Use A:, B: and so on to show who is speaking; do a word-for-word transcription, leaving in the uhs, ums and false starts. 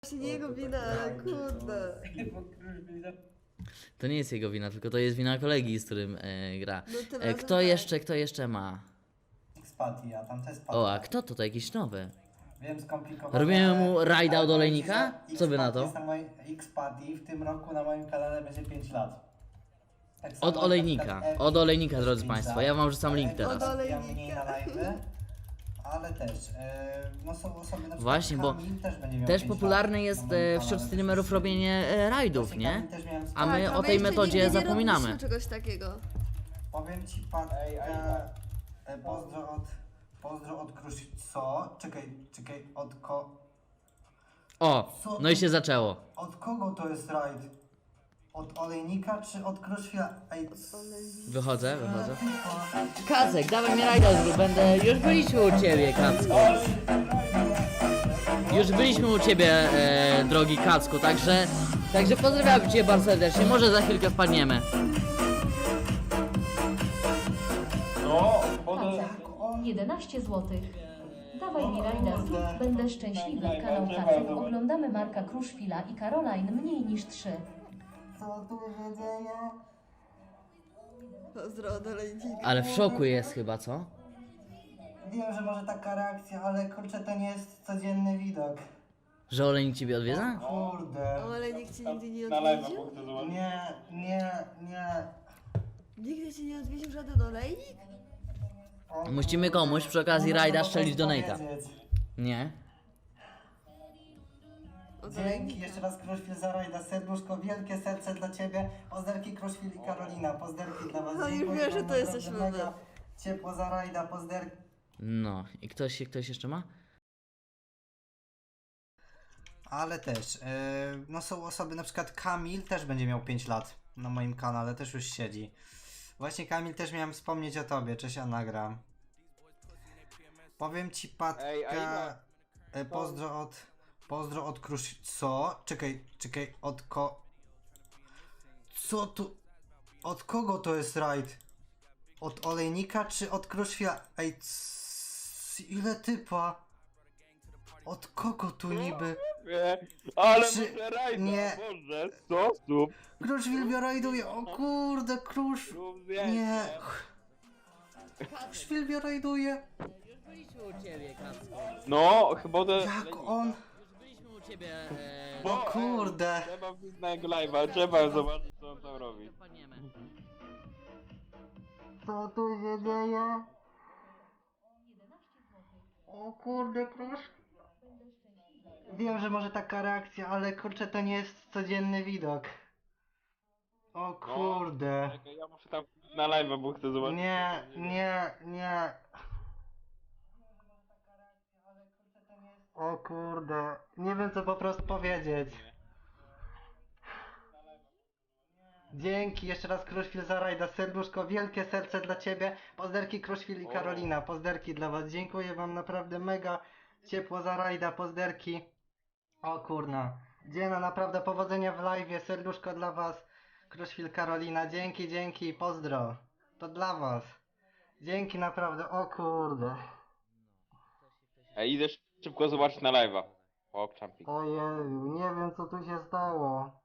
A: Właśnie nie jego wina, ale kurde.
B: To nie jest jego wina, tylko to jest wina kolegi, z którym e, gra.
A: No tym
B: E,
A: razem
B: kto
A: tak.
B: jeszcze, kto jeszcze ma?
C: X-Party, a tam to jest
B: O, a
C: Party.
B: kto to? To jakiś nowy.
C: Wiem, skomplikowane.
B: Robimy mu rajda
C: ale
B: od
C: powiem
B: olejnika?
C: ci, że
B: Co wy na
C: X-Party
B: to?
C: jest na moim X-Party w tym roku na moim kanale będzie pięć lat. Tak samo
B: Od
C: na
B: olejnika.
C: przykład Epic
B: Od olejnika,
C: jest
B: drodzy
C: pięć
B: państwo.
C: lat.
B: Ja wam wrzucam link
C: Epic
B: teraz.
A: Od olejnika.
C: ja mniej na live'y, ale też, e, no są osoby na przykład
B: Właśnie, bo
C: Kamil też będzie miał
B: Też
C: pięć
B: popularne
C: lat
B: jest
C: na moim
B: e,
C: kanale,
B: wśród
C: też
B: streamerów
C: jest-
B: robienie e, rajdów,
C: Właśnie
B: nie?
C: Kamil też miałem
B: A my
A: Tak,
B: o tej
A: jeszcze
B: metodzie
A: nigdy nie
B: zapominamy.
A: robiliśmy czegoś takiego.
C: Powiem ci, Patka, e, pozdro od, pozdro od Krusz... Co? Czekaj, czekaj, od ko...
B: O,
C: Co
B: no i
C: to-
B: się zaczęło.
C: Od kogo to jest rajd? Od olejnika czy od Kruszwila? Ej, c-
B: Wychodzę, wychodzę.
C: o,
B: Kacek, dawaj mi rajda zrób, będę... Już byliśmy u ciebie, Kacku. Już byliśmy u ciebie, e, drogi Kacku, także... Także pozdrawiam cię bardzo serdecznie, może za chwilkę wpadniemy.
D: No, bo
C: jak on...
E: jedenaście złotych. Dawaj mi rajda, zrób, będę szczęśliwy. Kanał Kacek. Oglądamy Marka Kruszwila i Caroline mniej niż trzy.
C: Co tu się dzieje?
A: Pozdro od olejnika.
B: Ale w szoku jest chyba, co?
C: Wiem, że może taka reakcja, ale kurczę, to nie jest codzienny widok.
B: Że olejnik ciebie odwiedza?
C: Kurde.
A: Olejnik cię nigdy nie
D: na live
A: odwiedził?
D: chcę zobaczyć.
C: Nie, nie, nie.
A: Nigdy cię nie odwiedził żaden olejnik?
C: O,
B: Musimy
C: kurde.
B: komuś przy okazji
C: No,
B: rajda
C: no, no,
B: strzelić
C: to
B: donate'a.
C: powiedzieć.
B: Nie?
A: Od
C: Dzięki
A: olejnika.
C: jeszcze raz Kruszwil za rajda, serduszko, wielkie serce dla ciebie. Pozderki Kruszwil i Karolina, pozderki dla was.
A: No już
C: Dziękuję
A: wiem, że
C: wam
A: to
C: naprawdę
A: jesteśmy
C: mega.
A: my.
C: Ciepło za rajda, pozderki.
B: No. I ktoś, ktoś jeszcze ma?
C: Ale też, yy, no są osoby, na przykład Kamil też będzie miał pięć lat na moim kanale, też już siedzi. Właśnie Kamil, też miałem wspomnieć o tobie, cześć Anagram. Powiem ci Patka,
D: Ej, a ile-
C: e, pozdro od, pozdro od Krusz... Co? Czekaj, czekaj, od ko... Co tu... Od kogo to jest rajd? Od olejnika czy od Kruszwila? Ej, c... ile typa? Od kogo tu niby?
D: Nie, ale
C: Czy-
D: muszę rajda,
C: nie.
D: Boże, sposób.
C: Kruszwil rajduje, o kurde, Krusz...
D: Rób
C: Nie...
D: zdjęcie.
C: Kruszwil rajduje.
B: Już byliśmy u ciebie, Kacku.
D: No, chyba to...
C: Jak on...
B: Już byliśmy u ciebie, e,
C: O kurde.
D: Ej, trzeba wbić na jego live'a, trzeba zobaczyć co on tam robi.
B: wpadniemy.
C: Co tu się dzieje? O kurde, Krusz... Wiem, że może taka reakcja, ale kurczę, to nie jest codzienny widok. O kurde.
D: Czekaj, ja muszę tam na live'a, bo chcę zobaczyć.
C: Nie, nie, nie. O kurde. Nie wiem co po prostu powiedzieć. Dzięki, jeszcze raz Kruszwil za rajda, serduszko, wielkie serce dla ciebie. Pozderki Kruszwil i Karolina, pozderki dla was. Dziękuję wam naprawdę mega ciepło za rajda, pozderki. O kurna. Dziena, naprawdę powodzenia w live, serduszko dla was. Kruszwil, Karolina, dzięki, dzięki, pozdro. To dla was. Dzięki naprawdę, o kurde.
D: Ej, idę szybko zobaczyć na live''a. O, jumping.
C: Ojeju, nie wiem co tu się stało.